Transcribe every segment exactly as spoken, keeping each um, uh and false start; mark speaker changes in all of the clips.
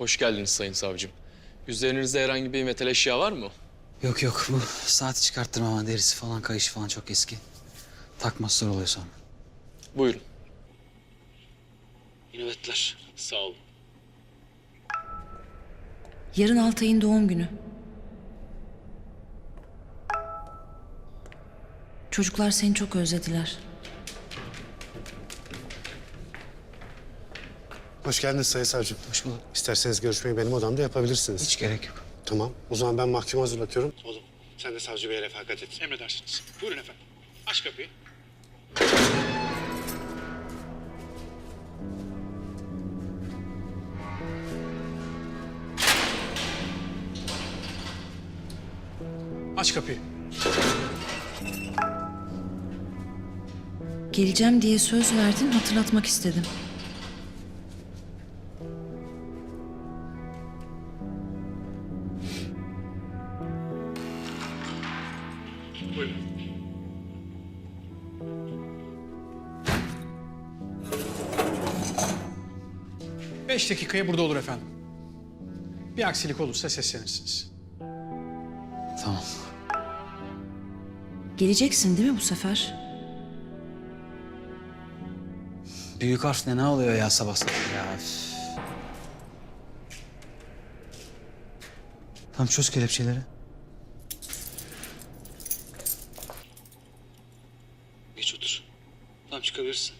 Speaker 1: Hoş geldiniz sayın savcım. Üzerinizde herhangi bir metal eşya var mı?
Speaker 2: Yok yok, bu saati çıkarttırma ama derisi falan, kayışı falan çok eski. Takması zor oluyor sonra.
Speaker 1: Buyurun.
Speaker 2: İyi nöbetler.
Speaker 1: Sağ olun.
Speaker 3: Yarın Altay'ın doğum günü. Çocuklar seni çok özlediler.
Speaker 4: Hoş geldiniz Sayın Savcım.
Speaker 2: Hoş bulduk.
Speaker 4: İsterseniz görüşmeyi benim odamda yapabilirsiniz.
Speaker 2: Hiç gerek yok.
Speaker 4: Tamam. O zaman ben mahkumu hazırlatıyorum. Oğlum sen de savcı beye refakat et.
Speaker 5: Emredersiniz. Buyurun efendim. Aç kapıyı. Aç kapıyı.
Speaker 3: Geleceğim diye söz verdin, hatırlatmak istedim.
Speaker 5: Buyurun. Beş dakikaya burada olur efendim. Bir aksilik olursa seslenirsiniz.
Speaker 2: Tamam.
Speaker 3: Geleceksin değil mi bu sefer?
Speaker 2: Büyük harf ne, ne oluyor ya sabah sabah ya? Üf. Tamam, çöz kelepçeleri. Geç otur. Tamam, çıkabilirsin.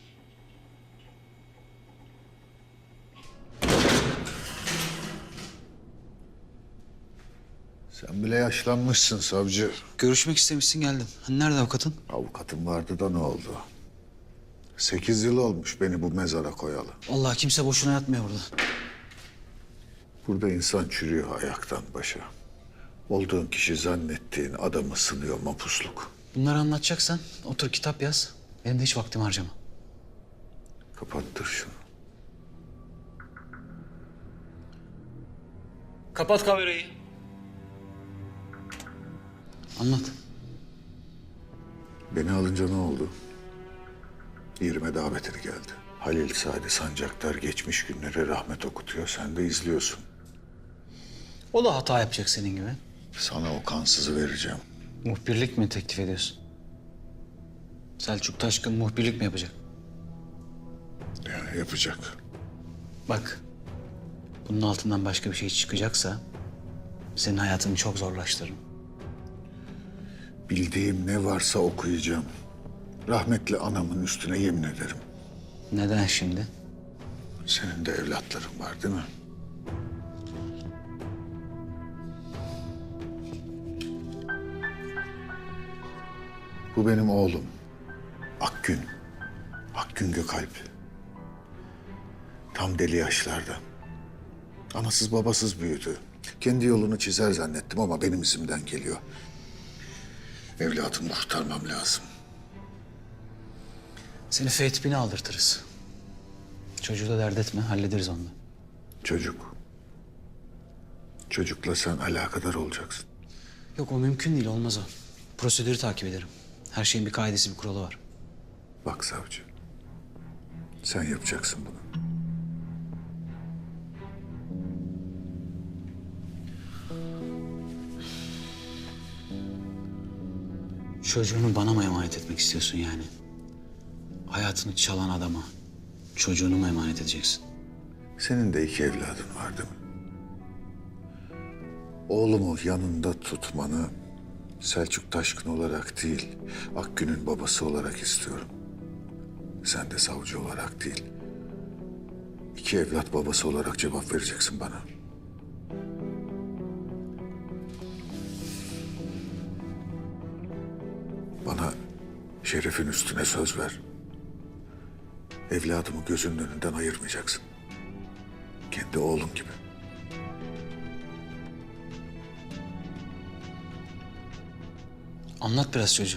Speaker 6: Sen bile yaşlanmışsın savcı.
Speaker 2: Görüşmek istemişsin, geldim. Hani nerede avukatın?
Speaker 6: Avukatım vardı da ne oldu? Sekiz yıl olmuş beni bu mezara koyalı.
Speaker 2: Vallahi kimse boşuna yatmıyor burada.
Speaker 6: Burada insan çürüyor ayaktan başa. Olduğun kişi zannettiğin adamı sınıyor mapusluk.
Speaker 2: Bunları anlatacaksan otur kitap yaz. Benim de hiç vaktim harcama.
Speaker 6: Kapattır şunu.
Speaker 2: Kapat kamerayı. Anlat.
Speaker 6: Beni alınca ne oldu? Yerime davetini geldi. Halil Sadi Sancaktar geçmiş günlere rahmet okutuyor. Sen de izliyorsun.
Speaker 2: O da hata yapacak senin gibi.
Speaker 6: Sana o kansızı vereceğim.
Speaker 2: Muhbirlik mi teklif ediyorsun? Selçuk Taşkın muhbirlik mi yapacak?
Speaker 6: Yani yapacak.
Speaker 2: Bak, bunun altından başka bir şey çıkacaksa senin hayatını çok zorlaştırırım.
Speaker 6: Bildiğim ne varsa okuyacağım. Rahmetli anamın üstüne yemin ederim.
Speaker 2: Neden şimdi?
Speaker 6: Senin de evlatların var değil mi? Bu benim oğlum. Akgün. Akgün Gökalp. Tam deli yaşlarda. Anasız babasız büyüdü. Kendi yolunu çizer zannettim ama benim izimden geliyor. Evlatımı kurtarmam lazım.
Speaker 2: Seni F-tipini aldırtırız. Çocuğu da dert etme, hallederiz onu da.
Speaker 6: Çocuk. Çocukla sen alakadar olacaksın.
Speaker 2: Yok, o mümkün değil, olmaz o. Prosedürü takip ederim. Her şeyin bir kaidesi, bir kuralı var.
Speaker 6: Bak savcı. Sen yapacaksın bunu.
Speaker 2: Çocuğunu bana mı emanet etmek istiyorsun yani? Hayatını çalan adama çocuğunu mu emanet edeceksin?
Speaker 6: Senin de iki evladın var değil mi? Oğlumu yanında tutmanı Selçuk Taşkın olarak değil, Akgün'ün babası olarak istiyorum. Sen de savcı olarak değil, iki evlat babası olarak cevap vereceksin bana. Bana şerefin üstüne söz ver. Evladımı gözünün önünden ayırmayacaksın. Kendi oğlun gibi.
Speaker 2: Anlat biraz çocuğu.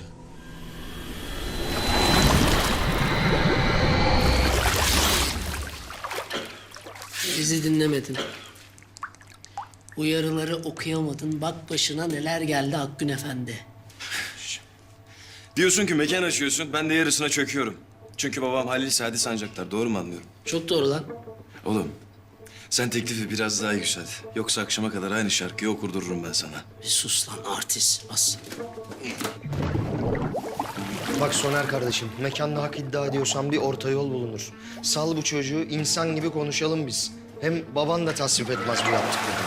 Speaker 7: Bizi dinlemedin. Uyarıları okuyamadın. Bak başına neler geldi Akgün Efendi.
Speaker 8: Diyorsun ki mekan açıyorsun, ben de yarısına çöküyorum. Çünkü babam Halil Sadi Sancaktar, doğru mu anlıyorum?
Speaker 7: Çok doğru lan.
Speaker 8: Oğlum, Sen teklifi biraz daha yükselt. Yoksa akşama kadar aynı şarkıyı okurdururum ben sana.
Speaker 7: Bir sus lan artist. Bas.
Speaker 9: Bak Soner kardeşim, mekanda hak iddia ediyorsan bir orta yol bulunur. Sal bu çocuğu, insan gibi konuşalım biz. Hem baban da tasvip etmez bu yaptıklarını.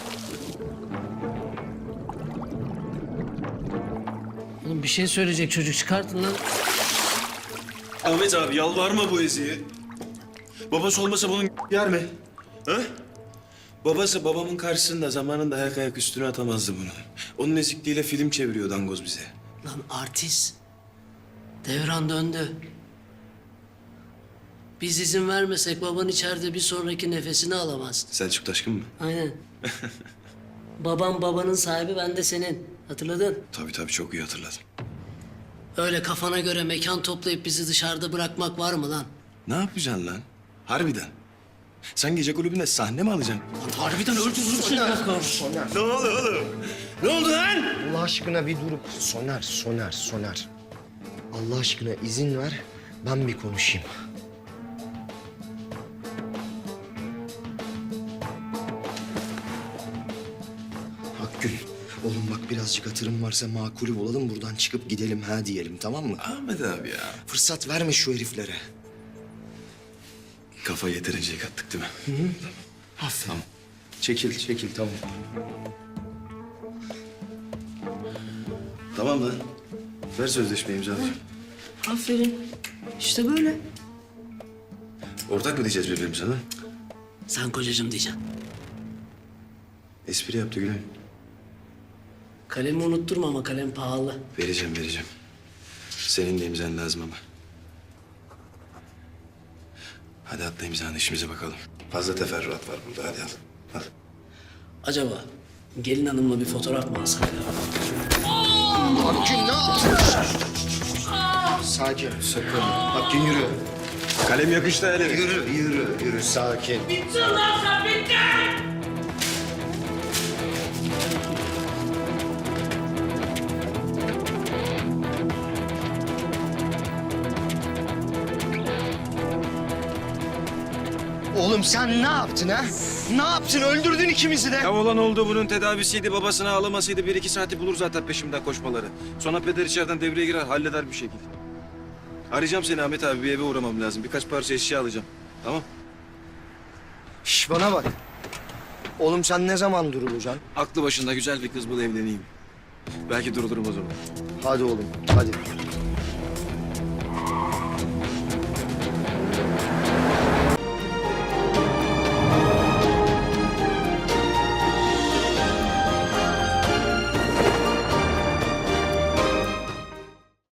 Speaker 7: Oğlum bir şey söyleyecek çocuk, çıkartın lan.
Speaker 8: Ahmet abi yalvarma bu Ezi'ye. Babası olmasa bunun yer mi? Ha? Babası babamın karşısında zamanında ayak ayak üstüne atamazdı bunu. Onun ezikliğiyle film çeviriyor dangoz bize.
Speaker 7: Lan artist. Devran döndü. Biz izin vermesek baban içeride bir sonraki nefesini alamaz.
Speaker 8: Selçuk Taşkın mı?
Speaker 7: Aynen. Babam babanın sahibi, ben de senin. Hatırladın?
Speaker 8: Tabii tabii çok iyi hatırladım.
Speaker 7: Öyle kafana göre mekan toplayıp bizi dışarıda bırakmak var mı lan?
Speaker 8: Ne yapacaksın lan? Harbiden. Sen gece kulübünde sahne mi alacaksın?
Speaker 7: Harbiden öldürürüm seni.
Speaker 9: Soner,
Speaker 8: Ne oldu oğlum? Ne oldu lan?
Speaker 9: Allah aşkına bir durup... Soner, Soner, Soner. Allah aşkına izin ver, ben bir konuşayım. Hakkül, oğlum bak birazcık hatırım varsa makulü bulalım, buradan çıkıp gidelim ha diyelim, tamam mı?
Speaker 8: Ahmet abi ya.
Speaker 9: Fırsat verme şu heriflere.
Speaker 8: Kafayı yeterince yıkattık değil mi?
Speaker 9: Aferin. Tamam. Çekil, çekil, tamam.
Speaker 8: Tamam lan. Ver sözleşmeyi imzalayacağım.
Speaker 7: Aferin. İşte böyle.
Speaker 8: Ortak mı diyeceğiz birbirimize lan?
Speaker 7: Sen kocacığım diyeceksin.
Speaker 8: Espri yaptı Güney.
Speaker 7: Kalemi unutturma ama kalem pahalı.
Speaker 8: Vereceğim vereceğim. Senin de imzan lazım ama. Hadi atla imzanı işimize bakalım. Fazla teferruat var burada hadi al. Al.
Speaker 7: Acaba gelin hanımla bir fotoğraf mı alsak ya?
Speaker 9: Hakkül ne yaptın? Sakin, sakın. Hakkül yürü.
Speaker 8: Kalem yakıştı hele.
Speaker 9: Yürü, yürü, yürü, sakin. Oğlum sen ne yaptın ha? Ne yaptın? Öldürdün ikimizi de.
Speaker 8: Ya olan oldu bunun tedavisiydi. Babasını ağlamasıydı. Bir iki saati bulur zaten peşimden koşmaları. Sonra peder içeriden devreye girer halleder bir şekilde. Arayacağım seni Ahmet abi. Bir eve uğramam lazım. Birkaç parça eşya alacağım. Tamam.
Speaker 9: Şş, bana bak. Oğlum sen ne zaman durulacaksın?
Speaker 8: Aklı başında güzel bir kız bul evleneyim. Belki durulurum o zaman.
Speaker 9: Hadi oğlum, hadi.